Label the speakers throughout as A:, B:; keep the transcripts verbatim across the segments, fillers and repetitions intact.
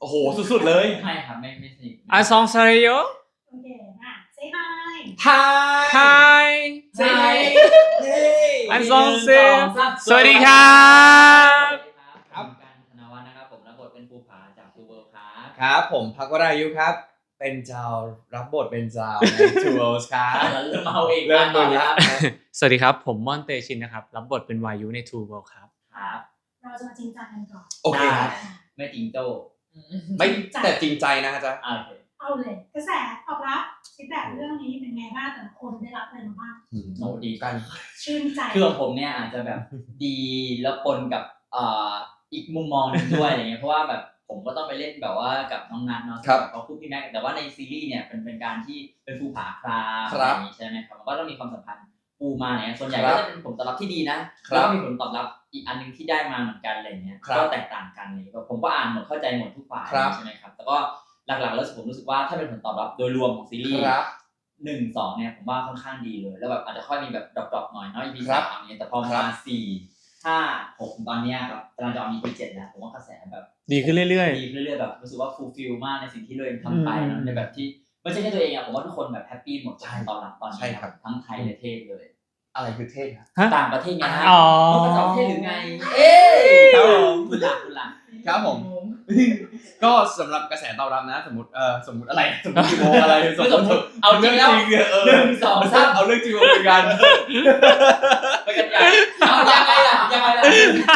A: โอ้โหสุดๆเลย
B: ไม่ครับไม่ไม่สนิท
C: อาซองซาเรโย
D: โอเคอ่ะ say hi
A: ไฮ
C: ไฮ
A: say hi
C: อันซองเซสวัสดีครับ
B: ครับการธนวัฒน์นะครับผมรับบทเป็นภูผาจากทูเวิลด์ครับ
A: ครับผมพักวรายุครับเป็นเจ้ารับบทเป็นเจ้าใน Two Worlds ครับ
B: เริ่มเอาเอง
A: เริ่มดูแล้ว
C: สวัสดีครับผมม่อนเตชินนะครับรับบทเป็นวายุใน Two World ครับ
B: ครับ
D: เราจะมาจริงจังกันก่อน
A: โอเคครับ
B: ไม่จริงโต
A: ไม่แต่จริงใจนะจ๊ะ
B: โอเค
D: เอาเลยกระแสตอบรับฟีดแบ็กเรื่องนี้เป็นไงบ้างแต่ละคนได้รับอะไรมาบ้าง
B: โอ้ดี
A: กัน
D: ชื่นใจ
B: คือของผมเนี่ยอาจจะแบบดีแล้วปนกับเอ่ออีกมุมมองนึงด้วยอะไรเงี้ยเพราะว่าแบบผมก็ต้องไปเล่นแบบว่ากับน้องนัทเนาะเขาคู่พี่แม็กแต่ว่าในซีรีส์เนี่ยเป็นเป็นการที่เป็นภูผาครามอะไรอย่างงี้ใช่ไหมครับมันก็ต้องมีความสัมพันธ์ปูมาเนี่ยส่วนใหญ่ก็จะเป็นผลตอบรับที่ดีนะแล้วก็มีผลตอบรับอีกอันนึงที่ได้มาเหมือนกันอะไรเงี้ยก็แตกต่างกันเลยผมก็อ่านหมดเข้าใจหมดทุกฝ่ายใช่ไหมครับแต่ก็หลักๆแล้วผมรู้สึกว่าถ้าเป็นผลตอบรับโดยรวมของซีรีส์หนึ่งสองเนี่ยผมว่าค่อนข้างดีเลยแล้วแบบอาจจะค่อยมีแบบดรอปๆหน่อยเนาะ อี พี สามเนี่ยแต่พอมาสี่ห้าหกตอนเนี้ยครับกำลังจะออก อี พี เจ็ดแล้วผมว่ากระแสแบบ
C: ดีขึ้นเรื่อย
B: ดีขึ้นเรื่อยๆแบบรู้สึกว่าฟูลฟิลมากในสิ่งที่เราเองทำไปเนาะในแบบที่ไม่ใช่แค่ตัวเองอะผมว่าทุกคนแบบแฮปปี้หมดตอนหลังตอนนี้ทั้งไทยและเทศเลย
A: อะไรคือเท่ครับ
C: ๆฮะ
B: ต่างประเทศไงฮะ
C: อ๋อ
B: ต้องเป็นต่างประเทศหรือไงเอ๊ะ
A: ครับผม
B: คุณหลักคุณหลัก
A: ครับผมก็สำหรับกระแสตอบรับนะสมมติเออสมมติอะไรสมมติกี่โมงอะไรสมมติ
B: เอาจริงแล้ว
A: เออ
B: หนึ่งสองสาม
A: เอาเรื่องจริงมาคุยกัน
B: ไปกันใหญ่เอายังไงล่ะยังไงล่ะ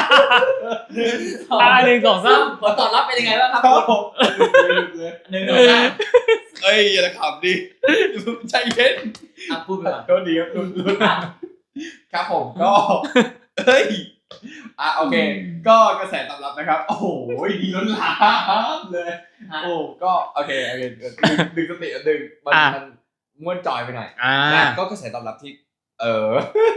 C: อ่าหนึ่งสองสาม
B: ผลตอบรับเป็นยังไงบ้างครับ
A: ครับผม
B: หนึ่งสองสาม
A: เอ้ยอย่าขำดิใจเย็น
B: อ่ะพูดไปก่อน
A: ก็ดีครับรุ่นรุ่นครับผมก็เฮ้ยอ่ะโอเค ก็กระแสตอบรับนะครับโอ้โหดีล้นหลามเลยโอ้ก็โอเคโอเคดึงดึงสติดึงมันมันม้วนจอยไปหน่อย
C: อ่า
A: นะก็กระแสตอบรับที่ เออ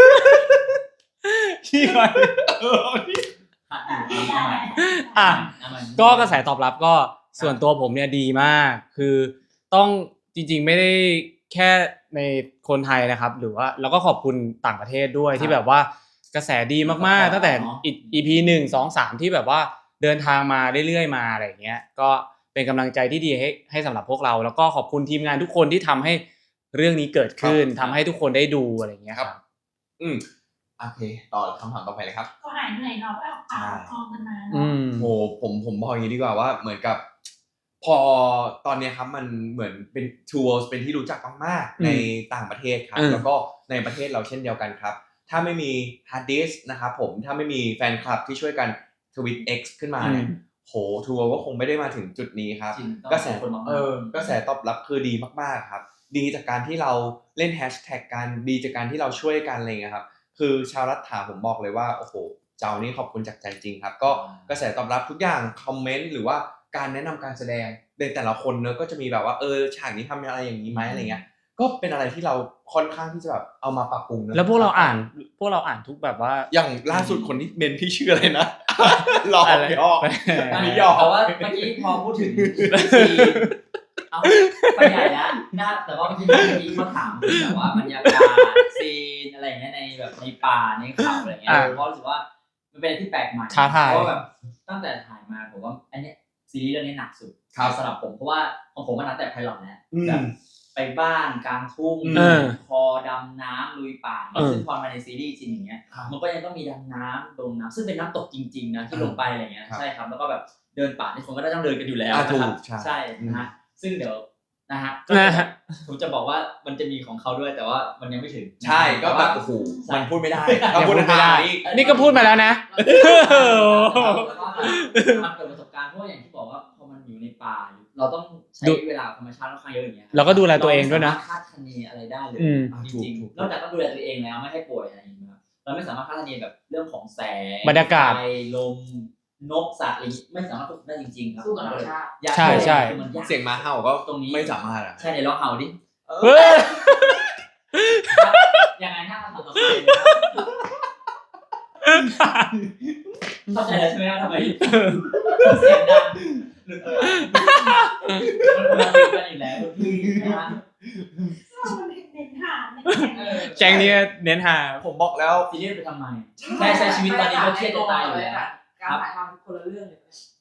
C: ที่ไป
A: เออ
B: อ่ะเอาใหม่
C: อ่ะ
B: เอาใหม่
C: ก็กระแสตอบรับก็ส่วนตัวผมเนี่ยดีมาก คือต้องจริงๆไม่ได้แค่ในคนไทยนะครับ หรือว่าแล้วก็ขอบคุณต่างประเทศด้วยที่แบบว่ากระแสดีมากๆตั้งแต่ อี พี หนึ่ง สอง สามที่แบบว่าเดินทางมาเรื่อยๆมาอะไรอย่างเงี้ยก็เป็นกำลังใจที่ดีให้ให้สำหรับพวกเราแล้วก็ขอบคุณทีมงานทุกคนที่ทำให้เรื่องนี้เกิดขึ้นทำให้ทุกคนได้ดูอะไรอย่างเงี้ยครับ
A: อืมโอเคต่อคำถามต่อไปเลยครับ
D: ก็หายเหนื่อยเนาะไปออกปากออกกองกันมา
C: อื
D: เนาะ
C: ม
A: โหผมผมบอกอย่างนี้ดีกว่าว่าเหมือนกับ พอตอนนี้ครับมันเหมือนเป็น Two Worlds เป็นที่รู้จักมากๆในต่างประเทศครับแล้วก็ในประเทศเราเช่นเดียวกันครับถ้าไม่มี hard disk นะครับผมถ้าไม่มีแฟนคลับที่ช่วยกันทวิต X ขึ้นมาเนี่ยโห Two Worlds ก็คงไม่ได้มาถึงจุดนี้ครับกระแสเออกระแสตอบรับคือดีมากๆครับดีจากการที่เราเล่นแฮชแท็กกันดีจากการที่เราช่วยกันอะไรเงี้ยครับคือชาวรัฐาผมบอกเลยว่าโอ้โหเจ้านี่ขอบคุณจากใจจริงครับก็กระแสตอบรับทุกอย่างคอมเมนต์หรือว่าการแนะนำการแสดงในแต่ละคนเนอะก็จะมีแบบว่าเออฉากนี้ทำอะไรอย่างนี้ไหมอะไรเงี้ยก็เป็นอะไรที่เราค่อนข้างที่จะแบบเอามาปรับปรุงนะ
C: แล้วพวกเราอ่านพวกเราอ่านทุกแบบว่า
A: อย่างล่าสุดคนที่เมนพี่ชื่ออะไรนะหลอก
C: อะไร
A: ยอกอันนี้ยอก
B: แต่ว่าเมื่อกี้พอพูดถึงซีเอาไปใหญ่แล้วนะแต่ว่าเมื่อกี้เมื่อกี้เขาถามถึงแบบว่าบรรยากาศซีนอะไรอย่างเงี้ยในแบบในป่าในเขาอะไรเงี้ยเพราะรู้สึกว่ามันเป็นอะไรที่แปลกใหม่
C: ท้าทาย
B: เพราะแบบตั้งแต่ถ่ายมาผมว่าอันเนี้ยซีรีส์เรื่องนี้หนักสุดสำหรับผมเพราะว่าของผมมันนับแต่ไพลอตแล้วแบบไปบ้านกลางทุ่งคอดำน้ำลุยป่าซึ่งพอมาในซีรีส์จริงอย่างเงี้ยมันก็ยังต้องมีดำน้ำลงน้ำซึ่งเป็นน้ำตกจริงๆนะที่ลงไปอะไรเงี้ยใช่ครับแล้วก็แบบเดินป่าที่คนก็ต้องเดินกันอยู่แล้วนะครับใช่นะฮะซึ่งเดี๋ยวนะฮะผมจะบอกว่ามันจะมีของเขาด้วยแต่ว่ามันยังไม่ถึง
A: ใช่ก็แบบโอ้โหมันพูดไม่ได้ก็พูดไม่ได้
C: นี่ก็พูดมาแล้วนะ
B: มันเกิดประสบการณ์เพราะอย่างที่บอกว่าพอมันอยู่ในป่าเราต้องใช้เวลาธรรมชาติค่อนข้างเยอะอย่างเงี้ย
C: เราก็ดูแลตัวเองด้วยนะ
B: คาดคะเนอะไรได้เลย
C: อืม
B: จริงๆนอกจากต้องดูแลตัวเองแล้วไม่ให้ป่วยอะไรอย่างเงี้ยเราไม่สามารถคาดคะเนแบบเรื่องของแสง
C: บรรยากาศ
B: ไฟลมนกสัตว์อะไรไม่สามารถควบคุมได้จริงๆครับ
E: สู้กับธรรมชาติ
C: ใช่ใช่
B: มันยาก
A: เสียงม้าเห่าก็
B: ตรงนี้
A: ไม่สามารถอ่ะ
B: ใช่เดี๋ยวลองเห่าดิ
C: เฮ้ย
B: ยังไงถ้าเราทำต่อไปเข้าใจแล้วใช่ไหมว่าทำไมเสียงดังหรือมันคนละเรื่องกันอยู่แล้วพี่นะ
D: มันเน้นหาเน้น
C: แกงนี้เน้นหา
A: ผมบอกแล้ว
B: ซีเรียสไปทำไมใช่ใช้ชีวิตตอนนี้ก็เครียดจะตายอยู่แล้ว
E: การถ่ายทำคนละเรื่องเลย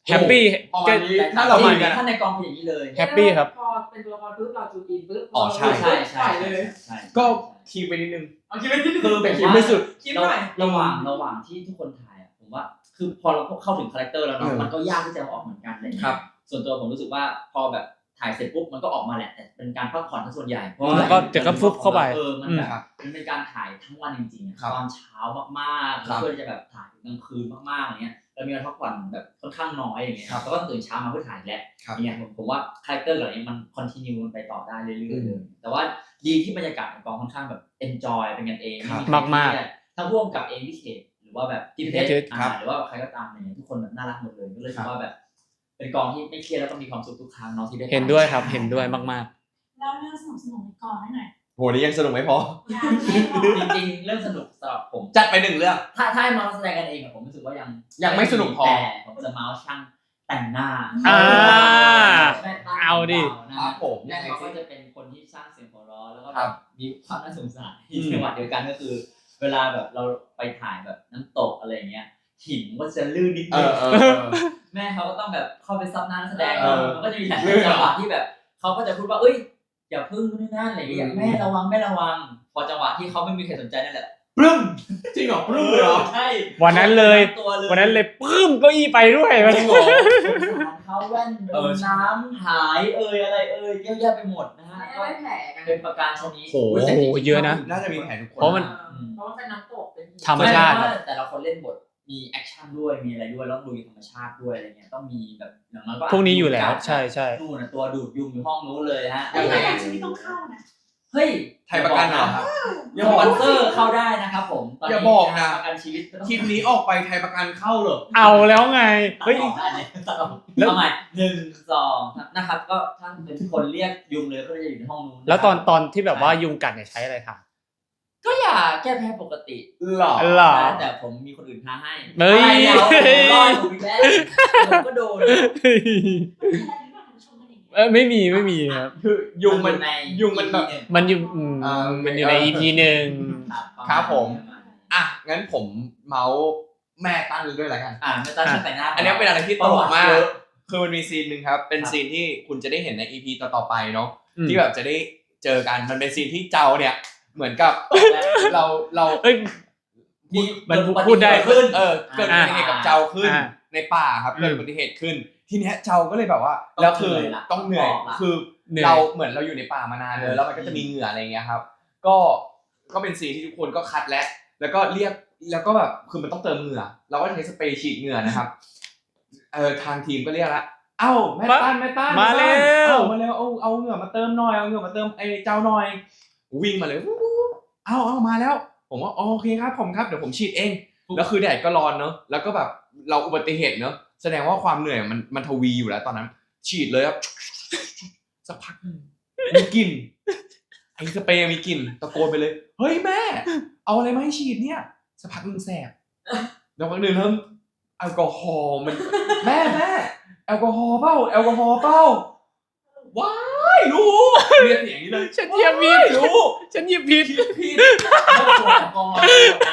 C: แฮปปี้
A: ประมาณนี้
B: แต่
A: ถ้าเรา
B: จ
A: มา
B: ริง
A: กัน
B: ๆถ้าในกองเป็นอย่างนี้เลย
C: แฮปปี้ครับ
E: พอเป็นตัวละครปุ๊บเราจูอินปุ๊บ
A: อ๋อใช่
B: ใช่ใช่
E: ปล่อยเลย
B: ใช่
A: ก็คีย์ไปนิดนึง
E: เอาคิดไปที่
B: คือ
A: แต่
B: ผม
A: คิด
B: ว่า
A: ไม่สุด
E: คิดหน่อย
B: ระหว่างระหว่างที่ทุกคนถ่ายอะผมว่าคือพอเราเข้าถึงคาแรคเตอร์แล้วเนาะ
A: เออ
B: มันก็ยากที่จะเอาออกเหมือนกันอะไรอย่าง
A: ครั
B: เงี้
A: บ
B: ยส่วนตัวผมรู้สึกว่าพอแบบถ่ายเสร็จปุ๊บมันก็ออกมาแหละแต่เป็นการพักผ่อนทั้งส่วนใหญ่เพราะว่า
C: แล้วก็เดี๋ยวก็ฟุบเข้าไป
B: เออมัน
C: อืม
B: แบบ
A: ครับ
B: มันเป็นการถ่ายทั้งวันจริงๆอะ
A: ครับ
B: ตอนเช้ามากๆ
A: ครับ
B: เพื่อที่จะแบบถ่ายถึงกลางคืนมากๆอย่างเงี้ยเรามีเวลาพักผ่อนแบบค่อนข้างน้อยอย่างเงี้ย
A: ครับ
B: แล้วก็ตื่นเช้ามาเพื่อถ่ายอีกแล้ว
A: ครับ
B: อย่างเงี้ยผมผมว่าคาแรคเตอร์เหล่านี้มันคอนติเนียมันไปต่อได้เรื่อยๆ
A: อื
B: เล
A: ม
B: ยแต่ว่าดีที่บรรยากาศในกองค่อนข้างแบบ enjoy เป็นกันเอง
A: ครับ
B: ไใคร
C: มากๆ
B: เครียดทั้งร่วมกับเองพิเศษหรือว่าแบบที่เพชร
C: เพชร
B: อ่า
A: ครับ
B: หรือว่าใครก็ตามอะไรเงี้ยทุกคนแบบน่ารักหมดเลยก็เลย
A: ครั
B: คิ
A: บ
B: ดว่าแบบ เป็นกองที่ไม่เครียดแล้วก็มีความสุขทุกครั้งเนาะที่ได้
C: เห็นด้วยครับเห็นด้วยมาก
D: เล่าเรื่องสนุกสนุกๆในกองให้หน่อย
A: โหนี่ยังสนุกไม่พอ
D: ยังไม่พอ
B: จริงๆเรื่องสนุกสำหรับผม
A: จัดไปหนึ่งเรื่อง
B: ถ้าถ้าให้มาแสดงกันเองอะผมรู้สึกว่ายัง
A: ยังไม่สนุกพอ
B: แต่ผมจะเมาส์ช่างแต่งหน้า
C: อ่า
B: แม่ตั้ง
C: เอาดิ
B: ขงเนะ
A: ครับผม
B: แม่เขาก็จะเป็นคนที่สร้างเสียงหัวเราะแล้วก็
A: ครั
B: แบบ บมีความน่าสงสาร
A: อืม
B: จังหวะเดียวกันก็คือ เวลาแบบเราไปถ่ายแบบน้ำตกอะไรอย่างเงี้ยหินก็จะลื่นนิด
A: เอ
B: นึง
A: อเออเออ
B: แม่เขาก็ต้องแบบเข้าไปซับหน้านักแสดง
A: เออ
B: มันก็จะมีหลาย
A: ลื่นเหรอ
B: จังหวะที่แบบเขาก็จะพูดว่าเอ้ยอย่าพึ่งนู่นนนั่นอะไรอย่างเงี้ย
A: อืม
B: แม่ระวังแม่ระวัง พอจังหวะที่เขาไม่มีใครสนใจนั่นแหละ
A: ปรึ้มจริงเหรอปรึ้มเลยเหรอ
B: ใช่
C: วันนั้นเลย
B: ตัวเลย
C: ๆ วันนั้นเลยปึ้มเก้าอี้ไปด้วย
A: จริงเหรอ
B: เขาแว่น
A: เออ
B: น้ำหายเอ่ยอะไรเอ่ยเยอะแยะไปหมดนะฮะ
E: ไม่
B: ก็
E: ได้แผลกัน
B: เป็นประการชนิด
A: โห
B: ยแต่จริงๆ
C: เยอะนะ
A: น่าจะมีแผนทุกคน
C: เพราะมัน
E: เพราะว่าเป็นน้ำตกเป็นหิน
C: ธรรมชาติ
B: ไม่แต่ละคนเล่นบทมีแอคชั่นด้วยมีอะไรด้วยแล้วดูธรรมชาติด้วยอะไรเงี้ยต้องมีแบบอย่างน้อยก็
C: พวกนี้อยู่แล้วใช่ใช่
B: นู่นนะตัวดูดยุงอยู่ห้องนู้นเลยฮะ
D: แต่ประกันชีวิตต้องเข้านะ
B: เฮ้ย
A: ไทยประกันเหรอครับ
B: ยังสปอนเซอร์เข้าได้นะครับผมตน
A: อย่า
B: นี้
A: บอกนะ
B: ประกันชีวิตไม่ต้อง
A: คลิปนี้ออกไปไทยประกันเข้าเหรอ
C: เอาแล้วไง
B: ตัด
C: เฮ้ย
B: ออกอันนี้ตัดออก
C: แล้ว
B: เอาใหม่หนึ่งสองนะครับ ก็ถ้าเป็นคนเรียกยุงเลยก็จะอยู่ในห้องนู้น
C: แล้วตอนตอนที่แบบว่ายุงกัดเนี่ยใช้อะไรทา
B: ก็อย่าแก้แพ้ปกติ
A: หรอ
C: หรอ
B: แต่ผมมีคนอื่นท้าให้
C: เฮ้ย
B: อะไรเนี่ยผมรอดผมอีกแล้วผมก็โดน
D: ไม่มีอะไรหรือเปล่าคุณผู้ชมกันอย่างเงี้ย
C: เออไม่มีไม่มีครับ
A: คือยุงมัน
B: ใน
A: ยุงมันแบบ
B: อี พีหง
C: มันอยู่อืม
A: อ่ามั
C: มันอยู่ใน อี พี หนึ่ง
A: ครับผม อ่ะงั้นผมเมาส์แม่ตั้นด้วยแล้วกัน
B: อ่าไม่ต้องช่างแต่งหน้า
A: อันนี้เป็นอะไรที่ตลกมาก
B: เยอะ
A: คือมันมีซีนหนึ่งครับ เป็น
B: ครับ
A: ซีนที่คุณจะได้เห็นใน อี พี ต่อๆไปเนาะ
C: อืม
A: ที่แบบจะได้เจอกัน มันเป็นซีนที่เจ้าเนี่ย เหมือนกับเราเรา
C: เอ้ย
B: มี
C: มัน
B: เกิอุบัติ
C: พูดได้
B: เหตุขึ้น
A: เออเกิดอุบัติเหตุกับเจ้าขึ้น
C: อ่า
A: ในป่าครับ
C: อืม
A: เกิดอุบัติเหตุขึ้น ทีเนี้ยเจ้าก็เลยแบบว่า แล้วคือต้องเหนื่อย คือ
C: เหนื่อย
A: เราเหมือนเราอยู่ในป่ามานานเลยแล้วมันก็จะมีเหงื่ออะไรอย่างเงี้ยครับ ก็ก็เป็นซีนที่ทุกคนก็คัดแล้วแล้วก็เรียกแล้วก็แบบคือมันต้องเติมเหงื่อเราก็ใช้สเปรย์ฉีดเหงื่อนะครับเออทางทีมก็เรียกละเอ้าแม่ตั้นแม่ตั้น
C: มาแล้ว
A: เอ้ามาแล้วเอาเอาเหงื่อมาเติมหน่อยเอาเหงื่อมาเติมไอ้เจ้าหน่อยวิ่งมาเลยวู้วู้เอ้าเอามาแล้ว ผมว่าอ๋อโอเคครับผมครับเดี๋ยวผมฉีดเองแล้วคือแดดก็ร้อนเนอะแล้วก็แบบเราอุบัติเหตุเนอะแสดงว่าความเหนื่อยมันมันทวีอยู่แล้วตอนนั้น ฉีดเลยครับสักพักหนึ่งมีกลิ่นไอ้สเปรย์มีกลิ่นตะโกนไปเลยเฮ้ยแม่ เอาอะไรมาให้ฉีดเนี่ยสักพักหนึ่งแสบแล้วพักหนึ่งเริ่มแอลกอฮอล์มันแม่แม่แอลกอฮอล์เปล่าแอลกอฮอล์เปล่าว้ายรู้เรียกเสียงนี้เลย
C: ฉันเหยียบผิด
A: ว้ายรู้
C: ฉันเหยียบผิด
A: ผิด
B: แล้วขวดแอลกอฮอล์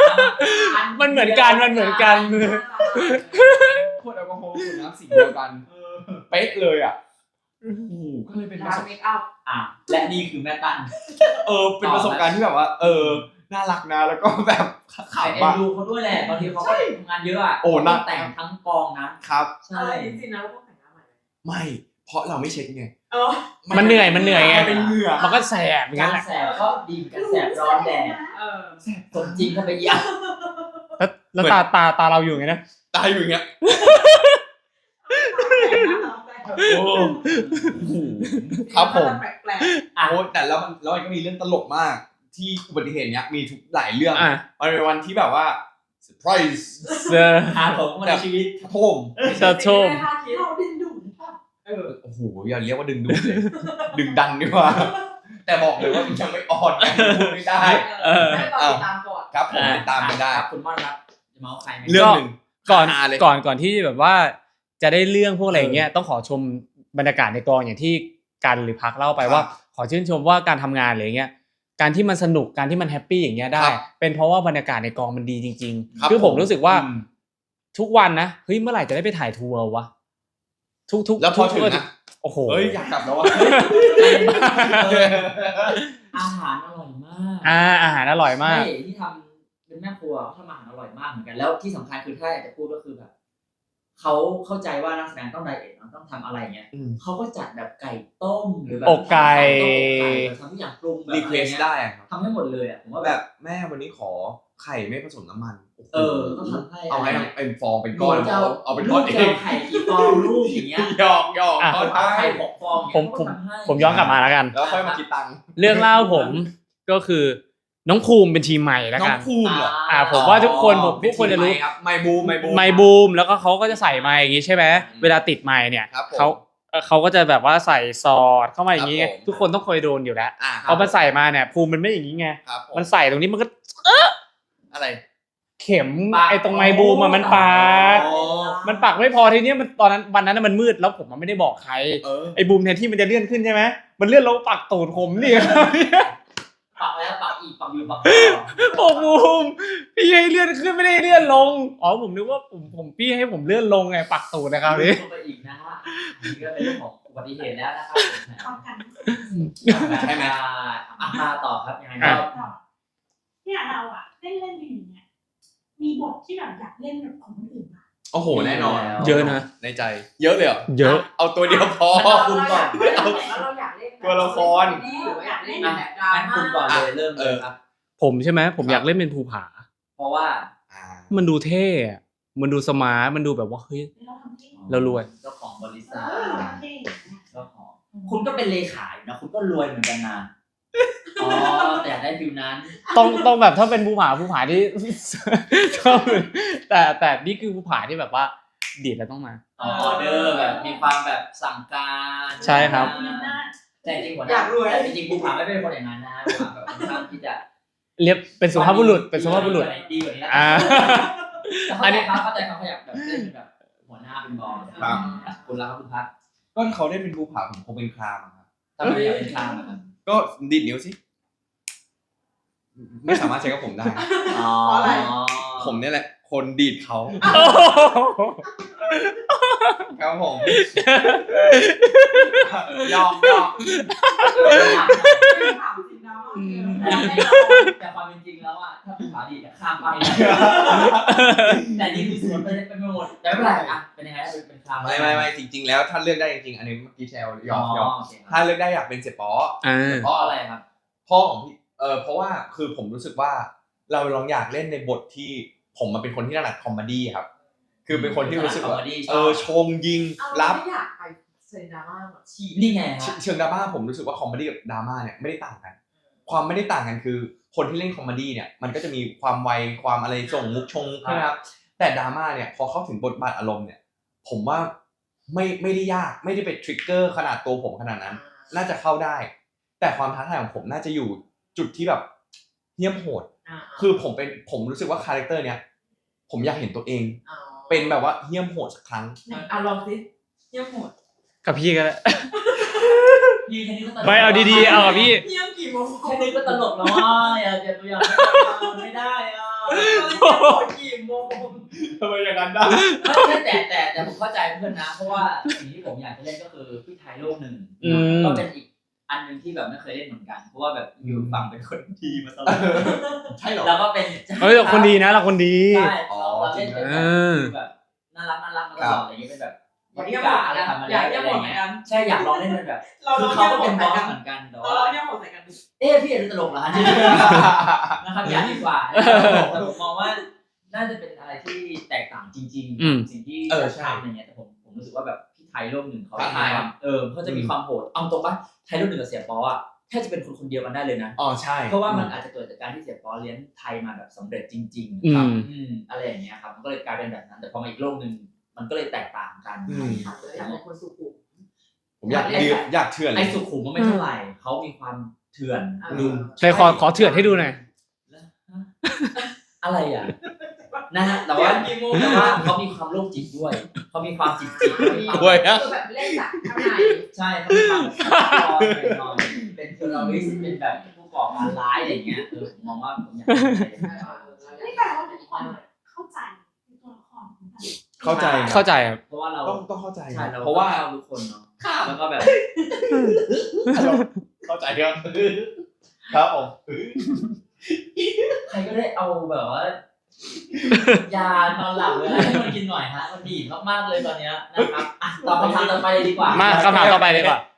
C: มันเหมือนกันมันเหมือนกัน
A: ขวดแอลกอฮอล์ขวดน้ำสีเดียวกันเป๊ะเลยอ่ะโอ้โหก็เลยเป็นประ
E: ร้า
A: ส
E: น
A: บ
E: เมคอัพ
B: อ่ะและนี่คือแม่ตั้น
A: เออเป็นประสบการณ์ที่แบบว่า เออน่ารักนะแล้วก็แบบ
B: ขาย
A: ขำ
B: เอ็น
A: อ่ะ
B: ดูเขาด้วยแหละบางทีเขาก็ทำงานเยอะอ่ะ
A: โอ้น่า
B: ต้องแต่งทั้งกองนะครับ ใช่
E: อะไรจริงๆนะเราต้องแต่งหน้าใหม่
A: ไม่ เพราะเราไม่เช็คไง
E: เออ
C: มันเหนื่อยมันเหนื่อยไง
A: มันเป็นเหงื่อ
C: มันก็แสบอย่าง
B: กา
C: นั้น
B: ร
C: แหละ
B: แสบก็ดีเหมือนกันแสบร้อนแดด
E: เออ
B: สมจริงเข้าไปเยอะ
C: แล้วแล้วตาตาตาเราอยู่ไงนะ
A: ตายอยู่อย่างเงี้ย โอ้โหครับผม
E: แปลก
B: อ่ะ
A: โอ้แต่แล้วมันแล้วมันก็มีเรื่องตลกมาก ที่อุบัติเหตุเนี้ยมีทุกหลายเรื่อง
C: อ่ะ
A: มันเป็นวันที่แบบว่าเซอร์ไพรส์
C: เซอร์
B: หาผมมาในชีวิต
A: โทม
E: ๆ
C: จะชม
E: เราดึงดูดป่ะเออ
A: โอ้โหอย่าเรียกว่าดึงดูดเลย ดึงดันดีกว่า แต่บอกเลยว่ามันยังไม่อ่อนไงพูดไม่ได้
C: เออ
E: ให้เราติดตามก่อน
A: ครับผมติดตามกันได้
B: ครับคุณม่อนครับจะเมาส์ใครไหม
A: เรื่องหนึ่ง
C: ก่อน
A: ฮาเลย
C: ก่อนก่อนที่แบบว่าจะได้เรื่องพวกอะไรอย่างเงี้ยต้องขอชมบรรยากาศในกองอย่างที่กันหรือพักเล่าไป
A: ครับ
C: ว่าขอชื่นชมว่าการทำงานอะไรอย่างเงี้ยการที่มันสนุกการที่มันแฮปปี้อย่างเงี้ยได้
A: ครับ
C: เป็นเพราะว่าบรรยากาศในกองมันดีจริง
A: ครับ
C: ๆคือผมรู้สึกว่า
A: อืม
C: ทุกวันนะเฮ้ยเมื่อไหร่จะได้ไปถ่ายทัวร์วะทุกทุก
A: แล้วพอถึง
C: ทุก
A: นะ
C: โอ้โห
A: เฮ้ยอยากกลับแล้ววะ
B: อาหารอร่อยมาก
C: อ่าอาหารอร่อยมาก
B: ใช่ที่ทำเป็นแม่ครัวเขาทำอาหารอร่อยมากเหมือนกันแล้วที่สำคัญคือถ้าอยากจะพูดก็คือแบบเขาเข้าใจว่านักแสดงต้องไดเอทเนาะต้องทำอะไรเงี้ย
A: อืม
B: เขาก็จัดแบบไก่ต้มหรือแบบ
C: อกไก่
B: ทำทุกอย่างปรุงแบบ
A: รี
B: อะ
A: เคว
B: ไร
A: ส
B: เงี้ย
A: ได้อะครับ
B: ทำให้หมดเลยอ่ะผมว่า
A: แบ
B: แบบ
A: บแม่วันนี้ขอไข่ไม่ผสมน้ำมันโโห
B: เออก็ทำให้
A: เอาให้
B: อะไร
A: เป็นฟองเป็นก้อน
B: หจะ
A: เอาเอาเป็นก้อน
B: ลูก
A: เอ
B: จะ
A: ง
B: เอาไข่กี่ฟองลูกอย่างเงี้ย
A: หยอกหยอก
C: อ่ะ
A: เขา
B: เอาไข่
A: ทาย
B: หกฟอง
C: ผมผม
B: เงี้ยเขาก็ทำให้
C: ผมย้อนกลับมาแล้วกัน
A: แล้วค่อยมาคิดตังค์
C: เรื่องเล่าผมก็คือน้องภูมิเป็นทีมใหม่แล้ว
A: น้อ
C: กั
A: ง
C: น
A: ภูมิเหรอ
C: อ่าผมว่าทุกคนผมทุกคนจะรู้
A: ครับไมบูมไมบูม
C: ไมค์บูมแล้วก็เขาก็จะใส่ไมค์อย่างงี้ใช่ไหมเวลาติดไมค์เนี่ย
A: ครับผม
C: เขาเอ่อเขาก็จะแบบว่าใส่ซอดเข้ามาอย่างงี้ไง
A: ครับผม
C: ทุกคนต้องเคยโดนอยู่แล้ว
A: อ่า
C: พอมันใส่มาเนี่ยภูมิมันไม่อย่างงี้ไง
A: ครับผ
C: มันใส่ตรงนี้มันก็
A: อะไร
C: เข็ม
B: ปาก
C: ไอ้ตรงไมค์บูมอะมันปัก
A: อ๋อ
C: มันปักไม่พอทีเนี้ยมันตอนนั้นวันนั้นนะมันมืดแล้วผมมันไม่ได้บอกใคร
A: เออ
C: ไอ้บูมแทนที่มันจะเลื่อนขึ้นใช่ไหมมันเลื่อนลงปักตูดผมนี่
B: ปักแล้วปักอีกปักอยู่ปัก
C: โอ้บูมพี่ให้เลื่อนขึ้นไม่ได้เลื่อนลงอ๋อผมนึกว่าผมผมพี่ให้ผมเลื่อนลงไงปักตูดนะครับนี่
B: ลงไปอีกนะฮะนี่ก็เป็นเรื่องของอุบัติเหตุแล้วนะครับ
D: ป้องกัน
B: ใช่ไหมอ่ะมาต่อครับยังไง
C: อ่ะ
B: ก็
D: เนี่ยเราอะเล่นเล่นอยู่เนี่ยมีบทที่แบบอยากเล่นแบบของคนอื่นมา
A: โอ้โหแน่นอน
C: เยอะนะ
A: ในใจ เยอะเลยเหรอ
C: เยอะ
A: เอาตัวเดียวพอ
B: งั้นคุณก่อน
E: แล้วเราอยากเล่น
A: ตัวละคร
E: หรือว่าอยากเล่น
B: อ่ะ
E: แบบดรา
B: งั้น
E: ม่า
B: คุณก่อนเลยเริ่มเลยครับ
C: ผมใช่ไหมผมอยากเล่นเป็นภูผา
B: เพราะว่า
A: อ่า
C: มันดูเท่อะมันดูสมาร์ทมันดูแบบว่าเฮ้ย
D: เราทำที่
C: เรารวย
B: เจ้าของบริ
D: เอ
B: ษัท
D: อเราเท่
B: เจ้าของคุณก็เป็นเลขาอยู่นะคุณก็รวยเหมือนกันนะอ๋อแต่อยากได้ฟิวนั้น
C: ต้องต้องแบบถ้าเป็นภูผาภูผาที่ ต้องแต่แต่นี่คือภูผาที่แบบว่าดีดแล้วต้องมา
B: ออเดอร์แบบมีความแบบสั่งการ
C: ใช่ครับ
D: มีอำนาจ
B: แต่จริงหัวหน้าแต่จริงๆภูผาไม่เป็นคนอย่างนั้นนะภูผาแบบค่อนข้างที่จะ
C: เรียบเป็นสุภาพบุรุษเป็นสุภาพบุรุษ
B: ดีกว่านี้นะ
C: อ่า
B: แต่เข้าใจเขาเข้าใจเขาอยากแบบเล่นเป็นแบบหัวหน้าเป็นบอส
A: ครับ
B: คุณรักคุณพัก
A: ก็เขาได้เป็นภูผาผมคงเป็นครามอะครับ
B: ทำไมอยากเป็นคลามอะครับ
A: ก็ดีดนิ้วสิ ไม่สามารถใช้กับผมได้
B: อ๋อ
A: ผมเนี่ยแหละ คนดีดเขาครับผมยอมยอม
E: ถามจริงนะว่า
C: อืม
B: แต่ความเป็นจริงแล้วอ่ะถ้าภูผาดีจะข้ามไปแต่นี่คือสวนไปเป็นหมดแต่ไม่เป็นไรอ่ะเป็นยังไงเป็นเป็นคลาม
A: ไม่ไม่ไม่จริง ๆ แล้วถ้าเลือกได้จริงๆอันนี้เมื่อกี้แชร์ยอมยอม
B: โเค
A: ถ้าเลือกได้อยากเป็นเสียป๋อ
C: อ่า
B: เพราะอะไรครับ
A: พ่อของพี่เออเพราะว่าคือผมรู้สึกว่าเราลองอยากเล่นในบทที่ผมมาเป็นคนที่ถนัดคอมเมดี้ครับ คือเป็นคนที่รู้สึกว่าเออชงยิง
E: เอา
A: รั
E: เรา
A: บ
E: ไม่อยากไปเซนดราม่าแบบฉีด
B: นี่ไง
A: เช
B: ฮะ
A: เชิงดราม่าผมรู้สึกว่าคอมเมดี้กับดราม่าเนี่ยไม่ได้ต่างกัน ความไม่ได้ต่างกันคือคนที่เล่นคอมเมดี้เนี่ยมันก็จะมีความไวความอะไรส่งมุกชงมุกใช่ไหมครับแต่ดราม่าเนี่ยพอเข้าถึงบทบาทอารมณ์เนี่ยผมว่าไม่ไม่ได้ยากไม่ได้เป็นทริกเกอร์ขนาดตัวผมขนาดนั้น น่าจะเข้าได้ แต่ความท้าทายของผมน่าจะอยู่จุดที่แบบเหี้ยมโหด คือผมเป็นผมรู้สึกว่าคาแรคเตอร์เนี้ยผมอยากเห็นตัวเอง เป็นแบบว่าเหี้ยมโหดสักครั้ง
E: อ่ะลองสิเยี่ยมหมด
C: กับพี่ก็ได้
B: พี่แค่นี้ก็ตลก
C: ไม่เอาดีๆเอากับพี่
E: เยี่ยมกี่โมง
B: แค่นี้ก็ตลกแล้วอ่ะอย่าอย่าตัวอย่างไม่ได้อ่ะ
E: กี่โมง
A: ทำไมอย่างนั้นได้
B: ไม่แต่แต่แต่ผมเข้าใจเพื่อนนะ เพราะว่าสิ่งที่ผมอยากจะเล่นก็คือพี่ไทยโลกหนึ่ง
C: อืม
B: ก็เป็นอีกอันหนึงที่แบบไม่เคยเล่นเหมือนกัน เพราะว่าแบบอยู่ฝั่งเป็นคนดีมาตลอด
A: ใช่เหรอ
B: แล้วก็เป็น
C: เฮ้ยเราคนดีนะเราคนดี
B: ใช่เราเราเล่นเป็น
C: เอ
B: แบบ
C: อ
B: แบบน่ารักน่ารักมาตลอดอะไรอย่างเงี้ยเป็นแบบ
E: อยากเยี่ยมหมด
B: อะไร
E: กัน
B: ทำอะไร
E: อยากเยี่ยม
B: อะไร
E: หมดเหมือน
B: เงี้ย
E: กัน
B: ใช่อยากลองเล่นเป็นแบบ
E: เรา
B: คือเขาก็เป็นบอสเหมือนกันแต่
E: เรา
B: ว่า
E: เยี่ยมหมดใส่กัน
B: เอ๊ะพี่เอ็นตลกเหรอฮะนะครับอย่าดีกว่าแต่ผมมองว่าน่าจะเป็นอะไรที่แตกต่างจริง
C: อืม
B: ๆสิ่งที่
A: เออใช่
B: ทำอะไรเงี้ยแต่ผมผมรู้สึกว่าแบบพี่ไทยโลกหนึ่งเขา
A: ท้าทาย
B: ความเออเขาจะมีความโหดเอาตรงปะไทยโลกหนึ่งกับเสียปออ่ะแทบจะเป็นคนคนเดียวกันได้เลยนะ
A: อ๋อใช่
B: เพราะว่ามันอาจจะเกิดจากการที่เสียปอเลี้ยงไทยมาแบบสำเร็จจริง
C: อื
B: ๆครับ
C: ม
B: อืมอะไรอย่างเงี้ยครับมันก็เลยกลายเป็นแบบนั้น แต่พอมาอีกโลกหนึ่งมันก็เลยแตกต่างกัน
A: อืม
E: อยากเป็นคนสุขุม
A: ผมอยากยืดอยากเถื่อนเล
B: ไอ้
A: ย
B: สุขุมมันไม่เท่าไหร่เขามีความเถื่อน
A: อืม
C: ใครขอขอเถื่อนให้ดูหน่อย
B: อะไรอ่ะนะฮะแต่ว่าแต่ว่าเขามีความโรคจิตด้วยเขามีความจิตจิตเขามีความ
A: ด้วยนะ
E: คือแบบเล่นจากข้างใน
B: ใช่เขามีความร้อนหน่อยเป็นเทอร์ริสเป็นแบบผู้ก่อการร้ายอะไรเงี้ยเออผมมองว่าผมอยากเป็นอะไรอย่างเงี้ย
D: นี่แปลว่าทุกคนเข้าใจในตัวละครของแต่ละ
A: เข้าใจนะ
C: เข้าใจครับ
B: เพราะว่าเรา
A: ต้องต้องเข้าใจ
B: ใช่
A: นะ
B: เรา
A: เพราะว่า
B: เข้ทุกคนเนาะแล้วก็แบบ
A: เข้าใจครับครับผม
B: ใครก็ได้เอาแบบว่ายานอนหลับเลยให้มันกินหน่อยฮะมันดีมากๆเลยตอนเนี้ยนะครับอ่ะตอบคำถามต่อไปเลยดีกว่า
C: มาคำถามต่อไปเลยดีกว่า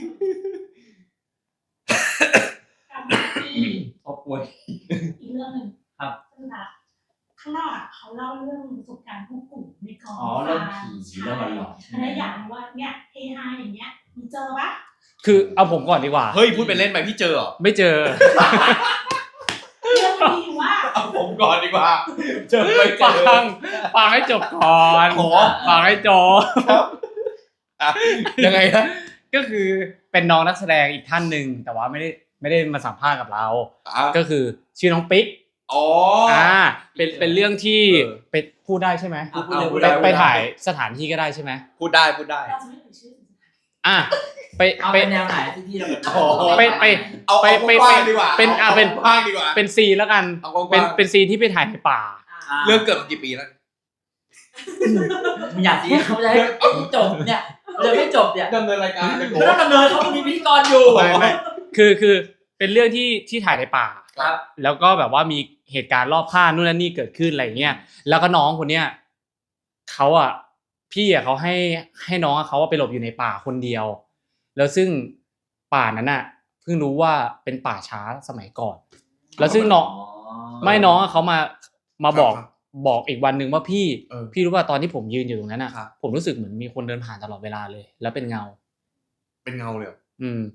D: กับที่
B: ขอบป่วย
D: อีกเรื่องหนึ่ง
B: ครับ
D: ซึ่งนะข้างนอกอ่ะเขาเล่าเรื่องประสบการณ์พวกกลุ่มในกอง
B: อ๋อเรื่องผี
D: ใช่
B: เรื่องหลอนๆใช่ไหม
D: อันนี้อยากรู้ว่าเนี่ยเฮฮาอย่างเงี้ยมีเจอปะ
C: คือเอาผมก่อนดีกว่า
A: เฮ้ยพูดเป็นเล่นไปพี่เจอเหรอ
C: ไม่เจอ
D: เรื่องมันมีอยู่ว่า
A: เอาผมก่อนดีกว่า เจอไปเจ
C: ฟั
A: อง
C: ฟังให้จบก่อน
A: โอ้
C: ฟังให้จบ
A: อ่ะยังไงฮะ
C: ก็คือเป็นน้องนักแสดงอีกท่านหนึ่งแต่ว่าไม่ได้ไม่ได้มาสัมภาษณ์กับเรา
A: อ่ะ
C: ก็คือชื่อน้องปิ๊ก
A: อ๋อ
C: อ่าเป็นเป็นเรื่องที่
A: เออ
C: ไปพูดได้ใช่ไหม
B: อ่ะพูดเลย
A: พู
B: พู
A: ด
B: ด
A: ได้
B: เลย
C: ไปถ่ายสถานที่ก็ได้ใช่ไหม
A: พูดได้พูดได้
D: เราจะไม่เอ่ยชื่อ
C: อ่ะไป
B: เอา
C: ไป
B: เป็นแนวไหนที่ที่เราแบบ
A: โอ้โห
C: ไปไป
A: เอา
C: ไป
A: เอา
C: ไป
A: กว้างๆดีกว่า
C: เป็นอ่ะเป็น
A: กว้างๆดีกว่า
C: เป็นซีนแล้วกัน
A: เอากว้างๆ
C: เป็นเป็นซีนที่ไปถ่ายในป่า
B: อ่า
A: เรื่องเกิดมากี่ปีแล้ว
B: มึงอยากสิเขาจะให้จบเนี่ยเลยไม่จบเนี่ย
A: ดำเนินรายการเป็นโ
B: ไม่ต้องดำเนินเขามีพิธีกรอยู่
C: ไม่ไม่คือคือเป็นเรื่องที่ที่ถ่ายในป่า
B: ครับ
C: แล้วก็แบบว่ามีเหตุการณ์รอบข้างนู่นนั่นนี่เกิดขึ้นอะไรเงี้ยแล้วก็น้องคนเนี้ยเขาอ่ะพี่อ่ะเขาให้ให้น้องอะเขาอะไปหลบอยู่ในป่าคนเดียว แล้วซึ่งป่านั้นอ่ะเพิ่งรู้ว่าเป็นป่าช้าสมัยก่อน แล้วซึ่งน้องไม่น้องอะเขามามาบอก
A: ครับ
C: บอกอีกวันหนึ่งว่าพี่
A: เออ
C: พี่รู้ว่าตอนที่ผมยืนอยู่ตรงนั้นอ่ะ
A: ครับ
C: ผมรู้สึกเหมือนมีคนเดินผ่านตลอดเวลาเลย แล้วเป็นเงา
A: เป็นเงาเลยเหรอ
C: อืม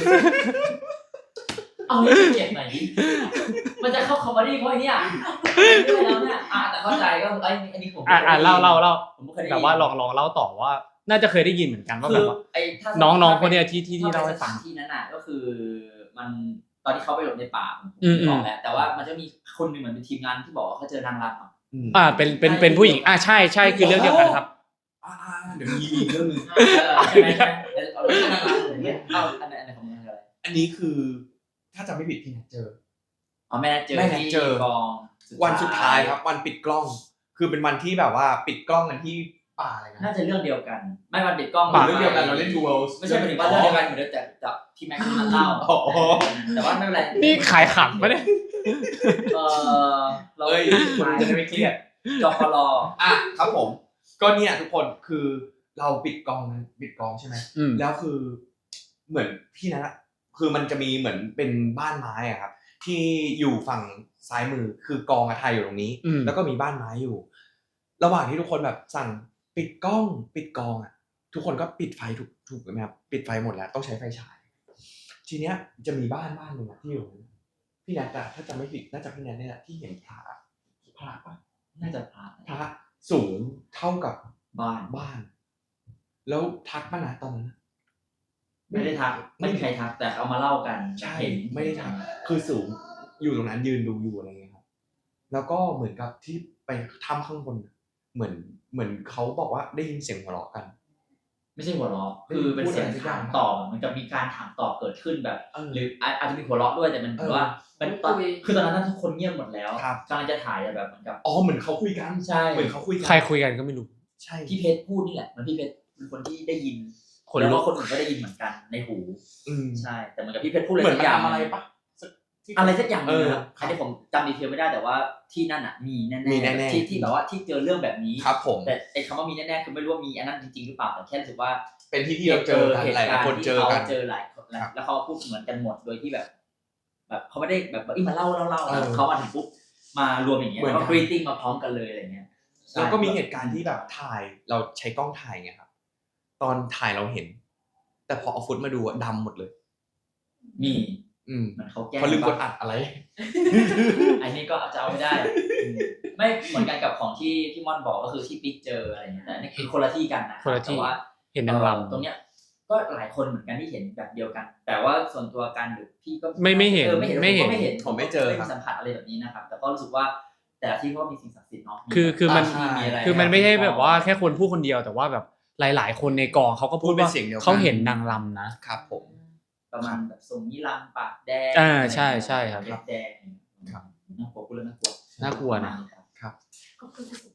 B: เอาให้เก็บหน่อยดิมันจะเข้าคอมเมดี้เขาไอ้เนี่ยด้วยแล้วเนี่ยอ่ะแต่เข้าใจก็ไอ้อันนี้ผม
C: อ่ะอ่ะเล่าเล่าเล่า
B: ผมไม่เคยได้ยิน
C: แต่ว่าลองลองเล่าต่อว่า น่าจะเคยได้ยินเหมือนกันว่า
B: คื
C: แบ
B: อบ
C: ว่า
B: ไอ้ถ้า
C: น้องๆคนเนี้ยที่ที่ที่
B: ถ้
C: เล่าให้ฟัง
B: สถนที่นั้นน่ะก็คือมันตอนที่เขาไปหลบในป่าผม
C: อืมอืม
B: บอกแล้วแต่ว่ามันจะมีคนหนึ่งเหมือนเป็นทีมงานที่บอกว่าเขาเจอนางรำอ่ะ
A: อืม
C: อ่าเป็นเป็นเป็นผู้หญิงอ่าใช่ใช่คือเรื่องเดียวกันครับ
A: อ่าๆเดี๋ยวมีอีกเรื่องหนึง
B: เออใช่ไหมใช่ไหมเอาเรื่องนางรำอย่างเงี้ยเอาอันไหนอันไหนของมึงอะไร
A: อันนี้คือ ถ้าจำไม่ผิดพี่นัทเจอ
B: อ๋อแม่นัดเจอ
A: แม่นัด
B: ที่
A: เจอ
B: กอง
A: วันสุดท้ายครับ วันปิดกล้อง คือเป็นวันที่แบบว่าปิดกล้องกันที่ป่าอะไรนะ
B: น่าจะเรื่องเดียวกัน ไม่วันปิดกล้อง
A: ป่าเรื่องเดียวกันเราเล่น Two Worlds
B: ไม่ใช่หมายถึงว่าเรื่องเดียวกันเหมือนเดิมแต่แต่ที่แม็กซ์มันเล่า
A: อ๋อ
B: แต่ว่าไม่เป็นไร
C: นี่ขายขำปะเนี่ย
B: เออเรา
A: เอ้ยคุณจะได้ไม่เครียด
B: จอปลอ
A: อ่ะครับผม ก็เนี่ยทุกคนคือเราปิดกล้องนะปิดกล้องใช่ไหม
C: อืม
A: แล้วคือเหมือนพี่นะคือมันจะมีเหมือนเป็นบ้านไม้อะครับ ที่อยู่ฝั่งซ้ายมือคือกองอะไทยอยู่ตรงนี้
C: อืม
A: แล้วก็มีบ้านไม้อยู่ ระหว่างที่ทุกคนแบบสั่งปิดกล้อง ปิดกองอะทุกคนก็ปิดไฟถูกถูกไหมครับปิดไฟหมดแล้วต้องใช้ไฟฉาย ทีเนี้ยจะมีบ้านบ้านหนึ่งอะที่อยู่พี่นัทอะถ้าจำไม่ผิดน่าจะพี่นัทเนี่ยแหละที่เห็นพระพระปะ
B: น่าจะพา
A: พระสูงเท่ากับ
B: บ้าน
A: บ้าน แล้วทักป่ะนะตอนนั้น
B: ไม่ได้ทักไม่มีใครทักแต่เอามาเล่ากัน
A: ใช่
B: เห็น
A: ไม่ได้ทักคือสูงอยู่ตรงนั้นยืนดูอยู่อะไรเงี้ยครับแล้วก็เหมือนกับที่ไปถ้ำข้างบนน่ะเหมือนเหมือนเขาบอกว่าได้ยินเสียงหัวเราะกัน
B: ไม่ใช่หัวเราะคือเป็นเสียงถามตอบมันจะมีการถามตอบเกิดขึ้นแบบ
A: เออ
B: หรืออาจอาจจะมีหัวเราะด้วยแต่มันถือว่ามันตอนคือตอนนั้นทุกคนเงียบหมดแล้ว
A: ครับ
B: กำลังจะถ่ายแบบเหมือนกับ
A: อ๋อเหมือนเขาคุยกัน
B: ใช่
A: เหมือนเขาคุยกัน
C: ใครคุยกันก็ไม่รู้
A: ใช่
B: พี่เพชรพูดนี่แหละมันพี่เพชรเป็นคนที่ได้ยิน
C: คน
B: แล้ว
C: ลุ
B: ก็
C: ก
B: คนอื่นก็ได้ยินเหมือนกันในหู
A: อืม
B: ใช่ แต่เหมือนกับพี่เพชรพูดอะไร
A: เหมือน
B: สักอย่าง
A: มันทำอะไรปะที่
B: อะไรสักอย่างหนึง
A: เออ
B: นะครับอันนี้ผมจำดีเทลไม่ได้แต่ว่าที่นั่นอ่ะมีแน่
A: มีแน่ๆ
B: ที่ที่แบบว่าที่เจอเรื่องแบบนี้
A: ครับผม
B: แต่ไอ้คำว่ามีแน่ๆคือไม่รู้ว่ามีอันนั้นจริงๆหรือเปล่าแต่แค่รู้สึกว่า
A: เป็นที่ที่เราเจอกันหลายๆคนเจอกัน
B: เจอหลายคน
A: ครับ
B: แล้วเขาพูดเหมือนกันหมดโดยที่แบบ แบบเขาไม่ได้แบบว่าอีมาเล่าเล่าเล่า
A: เออ
B: เขามาถึงปุ๊บมารวมอย่างเงี้ย
A: เหมือน
B: แล้ว
A: กั
B: ก็
A: น
B: กรีตติ้งมาพร้อมกันเลยอะไรเงี้ย
A: แล้วก็มีเหตุการณ์ที่แบบถ่ายเราใช้กล้องถ่ายไงครับ ตอนถ่ายเราเห็น แต่พอเอาฟุตมาดูอะดำหมดเลย
B: มี
A: อืม
B: เหมือนเขาแก้
A: เพราะลืมกดอัดอะไร
B: อันนี้ก็จะเอาไม่ได้อืมไม่เหมือนกันกับของที่ที่ม่อนบอกก็คือที่ปิ๊กเจออะไรเงี้ยแต่อันนี่คือคนละที่กันนะ
C: คนละที่
B: แต่ว่า
C: เห็นนางร
B: ตรงเนี้ยก็หลายคนเหมือนกันที่เห็นแบบเดียวกัน แต่ว่าส่วนตัวกันหรือพี่ก็
C: ไม่ไม่เห็น
B: ออไม่เห็น
C: ไม่เห็น
B: ผก็ไม่เห็น
A: ผมไม่เจอ
B: ไม่
A: ครั
B: มี
A: บ
B: สัมผัสอะไรแบบนี้นะครับ แต่ก็รู้สึกว่าแต่ละที่ก็มีสิ่งศักดิ์สิทธิ์เนาะ
C: คือคือมัน
B: บางที่มีอะไร
C: คือมันไม่ใช่แบบว่าแค่คนพูดคนเดียวแต่ว่าแบบหลาย ๆ คนในกองเขาก็พูด
A: พูดเป็น
C: ว่า
A: เสียงเดียวกัน
C: เขาเห็นนางรำนะครับ
A: ผม
B: ประมาณแบบทรงนิรันดร์ปากแดง
C: อ่าใช่ใช่ครับ
B: เล็บแดง
A: ครับ
B: น่ากลัวพูดแล้วน่ากลัว
C: น่ากลัวนะ
B: ครับ
D: ขอบคุณที่สุด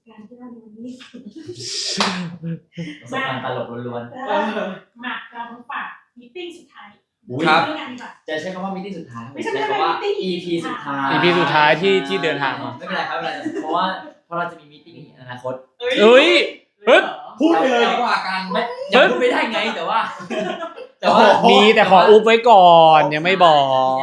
D: การณ์ที่เราดูนี่
B: ประสบการณ์ตลกล้วน
D: เออมาเรามาฝากมีติ้งสุดท้าย
B: อุ๊ย
A: ครับ
D: เรื่องกันดีกว่า
B: ๆจะใช้คำว่ามิติสุดท้าย
D: ไม่ใช่
B: ใช้คำว่า
D: ไม่ใช่
B: อี พี สุดท้าย
C: อี พี สุดท้ายที่ที่เดินทางมา
B: ไม่เป็นไรครับไม่เป็นไรเพราะว่าเพราะเราจะมีมิติ้งในอนาคต
C: เอ้ย เฮ้ย
A: พูดไปเลยดีกว่ากัน
B: ไม่ยังพูดไม่ได้ไงแต่ว่า แต่ว่า
A: โอ้โห
C: มีแต่ขออุบไว้ก่อนยังไม่บอก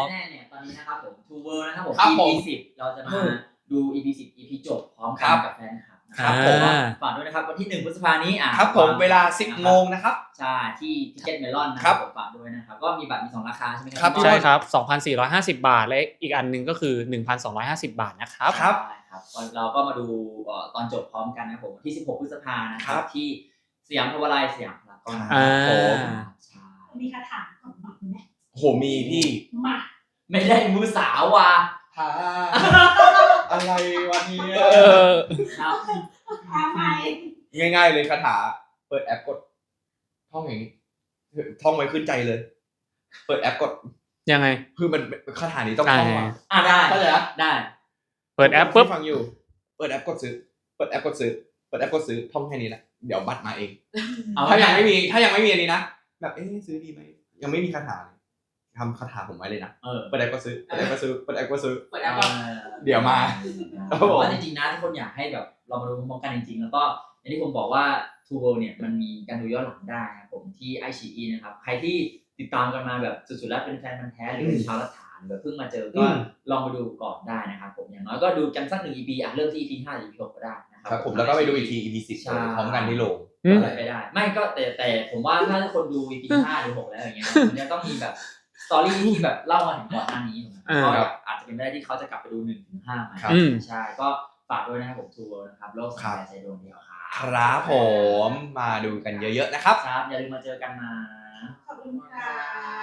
B: แน่ๆเนี่ยตอนนี้นะครับผม Two World นะครับผม
A: ครับผม
B: อี พี สิบเราจะมาดู อี พี สิบ อี พี จบพร้อม
A: ค
B: กั
A: รั
B: น
A: บ
B: กับแฟนคลับนะ
A: ครับ
B: ผม
C: อ่า
B: ฝากด้วยนะครับวันที่หนึ่งพฤษภานี้อ่ะ
A: ครับผมเวลาสิบโมงนะครับ
B: ใช่ที่ทิเก็ตเมลอนนะค
A: ครั
B: รับบ ผมฝากด้วยนะครับก็มีบัตรมีสองราคาใช่ไหมค
A: ครั
B: รับ
A: พี่
C: ใช่ครับ สองพันสี่ร้อยห้าสิบ บาท และอีกอันหนึงก็คือ หนึ่งพันสองร้อยห้าสิบ บาทนะครับ
A: ครับ
B: ใช่ครับเราก็มาดูเอ่อตอนจบพร้อมกันนะครับผมวันที่สิบหกพฤษภานะค
A: ครั
B: รับบ ที่สยามพาวไลน์สยามพารากอน
A: อ่า
B: ผม ใช่
D: มีคาถาก่อนมาไหม
A: โหมีพี่
D: มา
B: ไม่ได้มือสาวว่ะ
A: หาอะไรวันนี้
C: เออ
B: ครับ
D: ทำไม
A: ง่ายๆเลยคาถา เปิดแอปกด ท่องอย่างนี้ ท่องไว้ขึ้นใจเลย เปิดแอปกด
C: ยังไง
A: คือมันคาถานี้ต้องท่องมา
B: อ่ะได้
A: เข้าใจปะ
B: ได้
C: เปิดแอปปุ๊บ
A: ที่ฟังอยู่ เปิดแอปกดซื้อ เปิดแอปกดซื้อ เปิดแอปกดซื้อ ท่องแค่นี้แหละ เดี๋ยวบัตรมาเอง
B: เอา
A: ถ้ายังไม่มี ถ้ายังไม่มีอันนี้นะ แบบเอ๊ะซื้อดีไหม ยังไม่มีคาถาเลยทำคาถาผมไว้เลยนะ
B: เออ
A: เปิดแอปก็ซื้อ เปิดแอปก็ซื้อ เปิดแอปก็ซื้อ
E: เปิดแอปก่อน
A: เดี๋ยวมา
B: เพราะว่าจริงๆนะทุกคนอยากให้แบบเรามาดูพร้อมๆกันจริงๆ แล้วก็อย่างที่ผมบอกว่า Two World เนี่ยมันมีการดูย้อนหลังได้นะครับผมที่ ไอ ซี อี นะครับใครที่ติดตามกันมาแบบสุดๆแล้วเป็นแฟนพันธุ์แท้หรือเป็นชาวรัฐานแบบเพิ่งมาเจอก็
A: อืม
B: ลองไปดูก่อนได้นะครับผมอย่างน้อยก็ดูกันสักหนึ่ง อี พี อ่ะเริ่มที่ อี พี ห้าหรือ อี พี หกก็ได้นะครั
A: ครับผมแล้วก็ไปดูอีกที อี พี สิบ
B: ใช่
A: พร้อมกันที่โรง
C: อืม
B: อะไรไปได้ ไม่ก็แต่แต่ผมว่าถ้าคนดู อี พี ห้าหรือหกแล้วอย่างเงี้ยมันจะต้องมีแบบสตอรี่ที่แบบเล่ามาถึงก่อนหน้านี้ถูกไหม
C: อ่า
B: ก็แบบอาจจะเป็นไปได้ที่เขาจะกลับไปดูหนึ่งถึงห้าใหม่
A: ครับ
C: อืม
B: ใช่ก็ฝากด้วยนะครับผม Two World นะครับโลกสายใจดวงเดียวครับ
A: ครับผมมาดูกันเยอะๆนะครับ
B: ครับอย่าลืมมาเจอกันนะ
D: ขอบคุณค่ะ